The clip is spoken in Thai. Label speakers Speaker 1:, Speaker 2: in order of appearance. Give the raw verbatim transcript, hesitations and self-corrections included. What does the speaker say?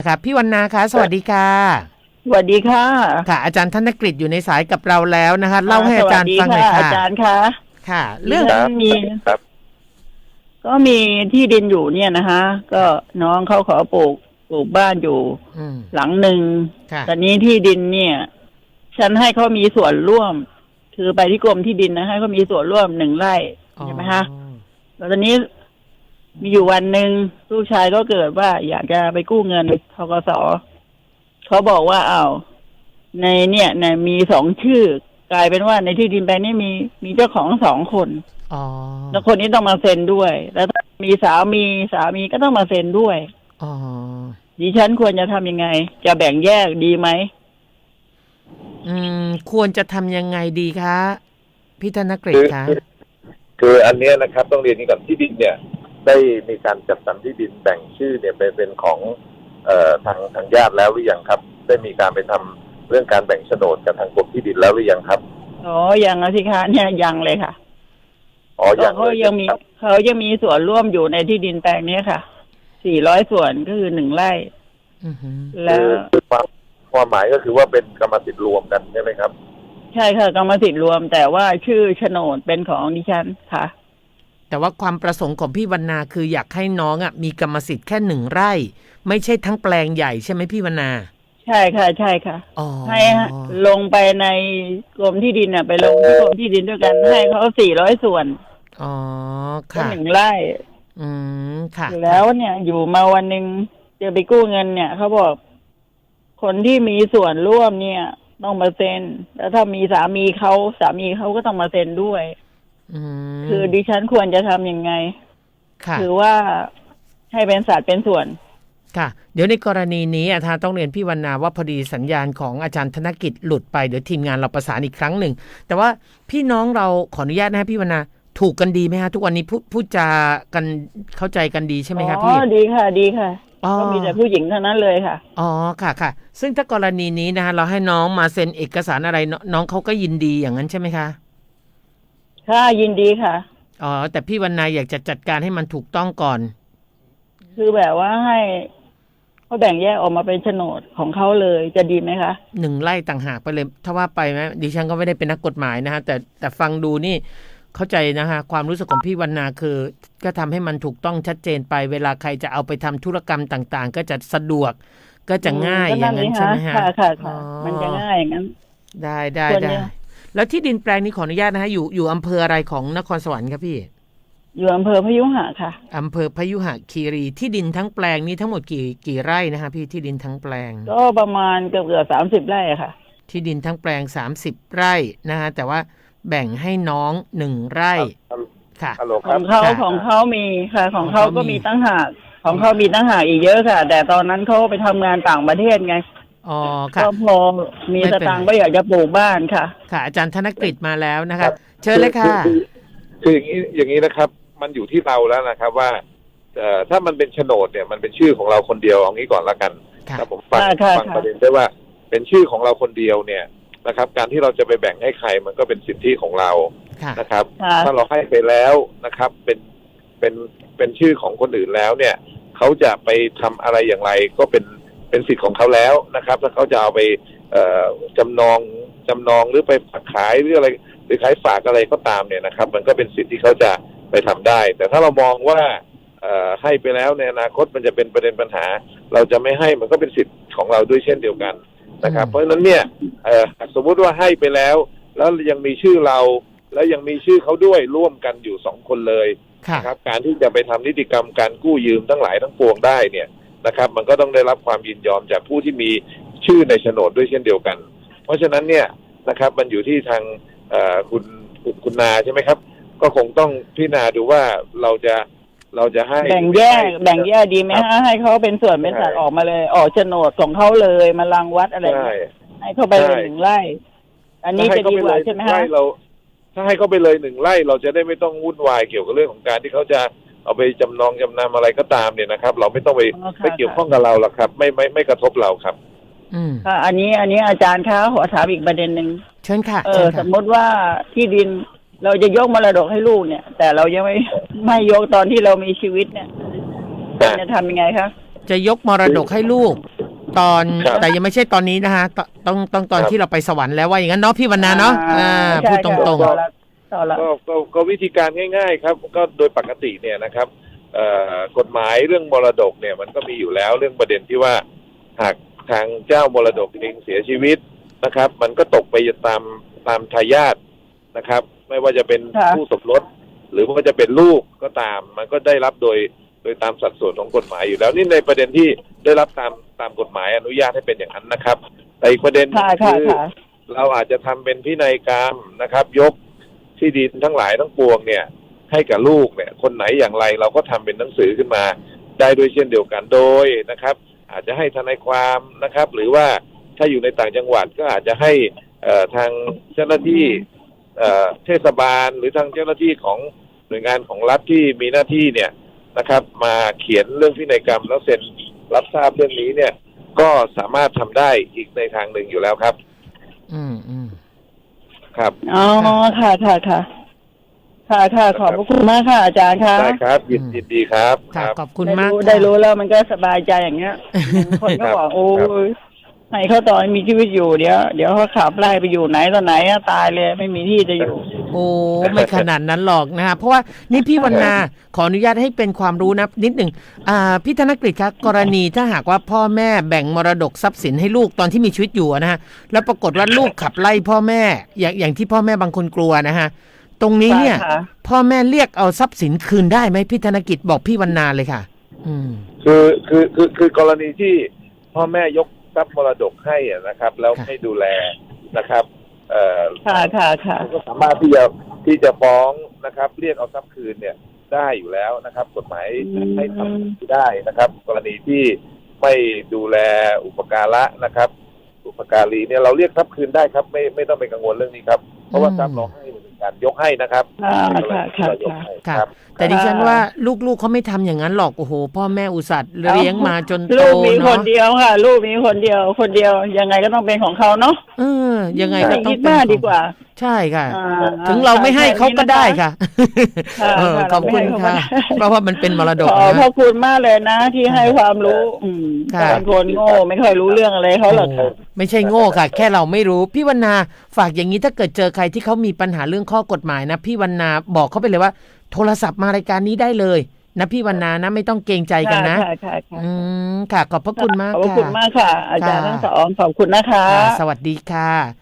Speaker 1: ครับพี่วรรณาคะสวัสดีค่ะ
Speaker 2: สวัสดีค่ะ
Speaker 1: ค่ะอาจารย์ธนกฤษอยู่ในสายกับเราแล้วนะคะเล่าให้อาจารย์ฟังหน่อยค่ะ
Speaker 2: อาจารย์คะ
Speaker 1: ค่ะเรื่อง
Speaker 2: มี
Speaker 3: ครับ
Speaker 2: ก็มีที่ดินอยู่เนี่ยนะคะก็น้องเขาขอปลูกปลูกบ้านอยู่หลังหนึ่งตอนนี้ที่ดินเนี่ย ฉันให้เขามีส่วนร่วม คือไปที่กรมที่ดินนะให้เขามีส่วนร่วมหนึ่งไร่ใช่ไหมคะแล้วตอนนี้มีอยู่วันหนึ่งลูกชายก็เกิดว่าอยากจะไปกู้เงินธกส.เขาบอกว่าอ้าวในเนี่ยในมีสองชื่อกลายเป็นว่าในที่ดินแปลงนี้มีมีเจ้าของสองคน
Speaker 1: อ๋อ
Speaker 2: แล้วคนนี้ต้องมาเซ็นด้วย แล้วถ้ามีสามีสามีก็ต้องมาเซ็นด้วย
Speaker 1: อ๋อ
Speaker 2: ดิฉันควรจะทำยังไง จะแบ่งแยกดีไหม
Speaker 1: อืมควรจะทำยังไงดีคะพี่ธนกฤษคะ
Speaker 3: คืออันนี้นะครับต้องเรียนนี้ก่อนที่ดินเนี่ยได้มีการจัดสรรที่ดินแบ่งชื่อเนี่ยเป็นเป็นของเอ่อทางทางญาติแล้วหรือยังครับได้มีการไปทำเรื่องการแบ่งโฉนดกับทางกรมที่ดินแล้วหรือยังครับ
Speaker 2: อ๋อยังนะสิคะเนี่ยยังเลยค่ะ
Speaker 3: อ๋อยัง
Speaker 2: เขายังมีเขายังมีส่วนร่วมอยู่ในที่ดินแปลงนี้ค่ะสี่ร้อยส่วนก็คือหนึ่งไร่
Speaker 3: แล้วความความหมายก็คือว่าเป็นกรรมสิทธิ์รวมกันใช่ไหมครับ
Speaker 2: ใช่ค่ะกรรมสิทธิ์รวมแต่ว่าชื่อโฉนดเป็นของดิฉันค่ะ
Speaker 1: แต่ว่าความประสงค์ของพี่วรรณาคืออยากให้น้องอ่ะมีกรรมสิทธิ์แค่หนึ่งไร่ไม่ใช่ทั้งแปลงใหญ่ใช่ไหมพี่วรรณา
Speaker 2: ใช่ค่ะใช่ค่ะให้ลงไปในกรมที่ดินอ่ะไปลงที่กรมที่ดินด้วยกันให้เขาสี่ร้อยส่วน
Speaker 1: อ๋อค่ะ
Speaker 2: หนึ่งไร่
Speaker 1: อืมค่ะ
Speaker 2: แล้วเนี่ยอยู่มาวันหนึ่งจะไปกู้เงินเนี่ยเขาบอกคนที่มีส่วนร่วมเนี่ยต้องมาเซ็นแล้วถ้ามีสามีเขาสามีเขาก็ต้องมาเซ็นด้วยคือดิฉันควรจะทำยังไงคือว่าให้เป็นสัดเป็นส่วน
Speaker 1: ค่ะเดี๋ยวในกรณีนี้อาจารย์ต้องเรียนพี่วรรณาว่าพอดีสัญญาณของอาจารย์ธนกิจหลุดไปเดี๋ยวทีมงานเราประสานอีกครั้งหนึ่งแต่ว่าพี่น้องเราขออนุญาตนะพี่วรรณาถูกกันดีไหมฮะทุกวันนี้พูดพูดจากันเข้าใจกันดีใช่ไหมครับพี่
Speaker 2: อ๋อดีค่ะดีค่ะก็มีแต่ผู้หญิงเท่านั้นเลยค่ะ
Speaker 1: อ๋อค่ะค่ะซึ่งถ้ากรณีนี้นะฮะเราให้น้องมาเซ็นเอกสารอะไรน้องเขาก็ยินดีอย่างนั้นใช่ไหมคะ
Speaker 2: ค่ะยินดีค่ะ
Speaker 1: อ๋อแต่พี่วรรณาอยากจะจัดการให้มันถูกต้องก่อน
Speaker 2: คือแบบว่าให้เขาแบ่งแยกออกมาเป็นโฉนดของเขาเลยจะดีไหมคะ
Speaker 1: หนึ่งไร่ต่างหากไปเลยถ้าว่าไปไหมดิฉันก็ไม่ได้เป็นนักกฎหมายนะฮะแต่แต่ฟังดูนี่เข้าใจนะฮะความรู้สึกของพี่วรรณาคือก็ทำให้มันถูกต้องชัดเจนไปเวลาใครจะเอาไปทำธุรกรรมต่างๆก็จะสะดวกก็จะง่ายอย่างนั้นใช่ไหมฮะ
Speaker 2: ค่ะค่ะค่ะมันจะง่ายอย่างนั้น
Speaker 1: ได้ได้ได้แล้วที่ดินแปลงนี้ขออนุญาตนะฮะอยู่อยู่อำเภออะไรของนครสวรรค์ครับพี่
Speaker 2: อยู่อำเภอพยุหะค่ะ
Speaker 1: อำเภอพยุหคีรีที่ดินทั้งแปลงนี้ทั้งหมดกี่กี่ไร่นะฮะพี่ที่ดินทั้งแปลง
Speaker 2: ก็ประมาณเกือบเกือบสามสิบไร่ค่ะ
Speaker 1: ที่ดินทั้งแปลงสามสิบไร่นะฮะแต่ว่าแบ่งให้น้องหนึ่งไร่ค่ะ
Speaker 2: ของเขาของเขามีค่ะของเขาก็มีตั้งหากของเขามีตั้งหากอีกเยอะค่ะแต่ตอนนั้นเขาไปทำงานต่างประเทศไง
Speaker 1: อ๋อค่ะ
Speaker 2: ก็พอมีสตางค์ก็อยากจะปลูกบ้านค่ะ
Speaker 1: ค่ะอาจารย์ธนกฤษมาแล้วนะคะเชิญเลยค่ะ
Speaker 3: คืออย่างนี้อย่างนี้นะครับมันอยู่ที่เราแล้วนะครับว่าเอ่อถ้ามันเป็นโฉนดเนี่ยมันเป็นชื่อของเราคนเดียวเอางี้ก่อนละกันถ้าผมฟังฟังประเด็นได้ว่าเป็นชื่อของเราคนเดียวเนี่ยนะครับการที่เราจะไปแบ่งให้ใครมันก็เป็นสิทธิของเรานะครับถ้าเราให้ไปแล้วนะครับเป็นเป็นเป็นชื่อของคนอื่นแล้วเนี่ยเขาจะไปทำอะไรอย่างไรก็เป็นเป็นสิทธิ์ของเขาแล้วนะครับถ้าเขาจะเอาไปเอ่อจำนองจำนองหรือไปฝากขายหรืออะไรหรือขายฝากอะไรก็ตามเนี่ยนะครับมันก็เป็นสิทธิ์ที่เขาจะไปทำได้แต่ถ้าเรามองว่าเอ่อให้ไปแล้วในอนาคตมันจะเป็นประเด็นปัญหาเราจะไม่ให้มันก็เป็นสิทธิ์ของเราด้วยเช่นเดียวกันนะครับเพราะฉะนั้นเนี่ยสมมุติว่าให้ไปแล้วแล้วยังมีชื่อเราแล้วยังมีชื่อเขาด้วยร่วมกันอยู่สองคนเลยนะครับการที่จะไปทำนิติกรรมการกู้ยืมทั้งหลายทั้งปวงได้เนี่ยนะครับมันก็ต้องได้รับความยินยอมจากผู้ที่มีชื่อในโฉนดด้วยเช่นเดียวกันเพราะฉะนั้นเนี่ยนะครับมันอยู่ที่ทางคุณคุณนาใช่ไหมครับก็คงต้องพิจารณาดูว่าเราจะเราจะให้
Speaker 2: แบ่งแยกแบ่งแยกดีไหมฮะให้เขาเป็นส่วนเป็นสัดออกมาเลยออกโฉนดของเขาเลยมารังวัดอะไรให้เขาไปเลยหนึ่งไร่อันนี้จะดีกว่าใช่ไหมฮะ
Speaker 3: เราถ้าให้เขาไปเลยหนึ่งไร่เราจะได้ไม่ต้องวุ่นวายเกี่ยวกับเรื่องของการที่เขาจะเอาไปจำนองจำนำอะไรก็ตามเนี่ยนะครับเราไม่ต้องไปไปเกี่ยวข้องกับเราหรอกครับไม่ไม่ไม่กระทบเราครับ
Speaker 1: อืม
Speaker 2: ค่ะอันนี้อันนี้อาจารย์คะขอถามอีกประเด็นหนึ่ง
Speaker 1: เชิญค่ะ
Speaker 2: เออสมมติว่าที่ดินเราจะยกมรดกให้ลูกเนี่ยแต่เรายังไม่ไม่ยกตอนที่เรามีชีวิตเนี่ยจะทำยังไงคะ
Speaker 1: จะยกมรดกให้ลูก ตอน
Speaker 3: ครับ
Speaker 1: แต่ยังไม่ใช่ตอนนี้นะฮะตต้องต้องตอน
Speaker 3: ครับ
Speaker 1: ที่เราไปสวรรค์แล้วว่าอย่างนั้นเนาะพี่วรรณาเนาะอ่า
Speaker 2: ใช่
Speaker 1: พูดตรง
Speaker 2: ค่ะ
Speaker 1: ๆ
Speaker 2: ต่อละต่อละ
Speaker 3: ก็ก็ก็วิธีการง่ายๆครับก็โดยปกติเนี่ยนะครับเอ่อกฎหมายเรื่องมรดกเนี่ยมันก็มีอยู่แล้วเรื่องประเด็นที่ว่าหากทางเจ้ามรดกเองเสียชีวิตนะครับ มันก็ตกไปตามตามทายาทนะครับ ไม่ว่าจะเป็น
Speaker 2: ค่ะ
Speaker 3: ผู้สมรสหรือว่าจะเป็นลูกก็ตาม มันก็ได้รับโดยโดยตามสัดส่วนของกฎหมายอยู่แล้วนี่ในประเด็นที่ได้รับตามตามกฎหมายอนุญาตให้เป็นอย่างนั้นนะครับแต่อีกประเด็น
Speaker 2: ค่ะค่ะ
Speaker 3: คือ
Speaker 2: ค่ะ
Speaker 3: เราอาจจะทำเป็นพินัยกรรมนะครับ ยกที่ดินทั้งหลายทั้งปวงเนี่ยให้กับลูกเนี่ยคนไหนอย่างไรเราก็ทำเป็นหนังสือขึ้นมาได้ด้วยเช่นเดียวกันโดยนะครับ อาจจะให้ทนายความนะครับ หรือว่าถ้าอยู่ในต่างจังหวัดก็อาจจะให้เอ่อทางเจ้าหน้าที่เอ่อเทศบาลหรือทางเจ้าหน้าที่ของหน่วยงานของรัฐที่มีหน้าที่เนี่ยนะครับ มาเขียนเรื่องพินัยกรรมแล้วเซ็นรับทราบเรื่องนี้เนี่ยก็สามารถทำได้อีกในทางหนึ่งอยู่แล้วครับ
Speaker 1: อืมอืม
Speaker 3: ครับ
Speaker 2: อ๋อค่ะค่ะค่ะค่ะค่ะขอบพระคุณมากค่ะอาจารย์ค่ะ
Speaker 3: ได้ครับยินยินดีครับ
Speaker 1: ค่ะ
Speaker 3: ครับ
Speaker 1: ขอบคุณ
Speaker 2: ได้
Speaker 1: มาก
Speaker 2: รู้
Speaker 1: ค่ะ
Speaker 2: ได้รู้แล้วมันก็สบายใจอย่างเงี้ย คนก็บอกโอ้ยให้เขาตอนมีชีวิตอยู่เดี๋ยวเดี๋ยวเขาขับไล่ไปอยู่ไหนตอนไหนอะตายเลยไม่มีที่จะอยู่
Speaker 1: โอ้ไม่ขนาดนั้นหรอกนะฮะเพราะว่านี่พี่วรรณาขออนุญาตให้เป็นความรู้นะนิดหนึ่งอ่าพี่ธนกฤษครับกรณีถ้าหากว่าพ่อแม่แบ่งมรดกทรัพย์สินให้ลูกตอนที่มีชีวิตอยู่นะฮะแล้วปรากฏว่าลูกขับไล่พ่อแม่อย่างอย่างที่พ่อแม่บางคนกลัวนะฮะตรงนี้เนี่ย
Speaker 2: ใช่ค่ะ
Speaker 1: พ่อแม่เรียกเอาทรัพย์สินคืนได้ไหมพี่ธนกิจบอกพี่วรรณาเลยค่ะ อืม
Speaker 3: คือคือคือคือกรณีที่พ่อแม่ยกทรัพย์มรดกให้อะนะครับ แล้ว
Speaker 1: ค่ะ
Speaker 3: ไม่ดูแลนะครับเอ่อ
Speaker 2: ค่ะค่ะค่ะ
Speaker 3: ก็สามารถที่จะที่จะฟ้องนะครับ เรียกเอาทรัพย์คืนเนี่ยได้อยู่แล้วนะครับ กฎหมาย
Speaker 2: อืม
Speaker 3: ให้ทำได้นะครับ กรณีที่ไม่ดูแลอุปการะนะครับ อุปการีเนี่ยเราเรียกทรัพย์คืนได้ครับ ไม่ไม่ต้องไปกังวลเรื่องนี้ครับเพราะว่าทรัพย์เราให้เป็นการยกให้นะครับ
Speaker 2: ค่ะ
Speaker 3: เป็นกร
Speaker 2: ค่ะ
Speaker 3: ณีที่
Speaker 2: ค่ะ
Speaker 3: เรายกให้
Speaker 1: ค่ะ
Speaker 3: ครับ
Speaker 1: แต่ดิฉันว่าลูกๆเขาไม่ทำอย่างนั้นหรอกโอ้โหพ่อแม่อุตส่าห์เลี้ยงมาจนโต
Speaker 2: ลูกมีค
Speaker 1: เนาะ
Speaker 2: นเดียวค่ะ ลูกมีคนเดียว คนเดียวยังไงก็ต้องเป็นของเขาเนาะ
Speaker 1: เออยังไงก็
Speaker 2: ไม่
Speaker 1: ต้อ
Speaker 2: คิ
Speaker 1: ง
Speaker 2: ด
Speaker 1: เป็น
Speaker 2: มาก
Speaker 1: ของ
Speaker 2: ดีกว่า
Speaker 1: ใช่ค่ะ
Speaker 2: อ่า
Speaker 1: ถึงเราไม่ให้เขาก็ได้ค่ะ
Speaker 2: ค่ะ
Speaker 1: เออ
Speaker 2: ค่ะ
Speaker 1: ขอบคุณ
Speaker 2: เราไม่ให้เขาก็
Speaker 1: ค่ะ
Speaker 2: ได้
Speaker 1: เพราะว่ามันเป็นมรด
Speaker 2: ข
Speaker 1: ก
Speaker 2: อพ
Speaker 1: นะ
Speaker 2: ระคุณมากเลยนะ ที่ให้ความรู้ อืม
Speaker 1: ค่ะ
Speaker 2: บางคนโง่ไม่ค่อยรู้เรื่องอะไรเขาหรอก
Speaker 1: โอ้ไม่ใช่โง่ค่ะ แค่เราไม่รู้พี่วรรณาฝากอย่างนี้ถ้าเกิดเจอใครที่เขามีปัญหาเรื่องข้อกฎหมายนะพี่วรรณาบอกเขาไปเลยว่า โทรศัพท์มารายการนี้ได้เลยนะพี่วรรณานะไม่ต้องเกรงใจกันนะ
Speaker 2: ค่ะค่ะค่ะ
Speaker 1: อืมค่ะขอบพระคุณมาก
Speaker 2: ขอบพระ
Speaker 1: ค่ะ
Speaker 2: คุณมากค่ะ อาจารย์
Speaker 1: ค่ะ
Speaker 2: ทั้งสองขอบคุณนะคะ
Speaker 1: ค่ะสวัสดีค่ะ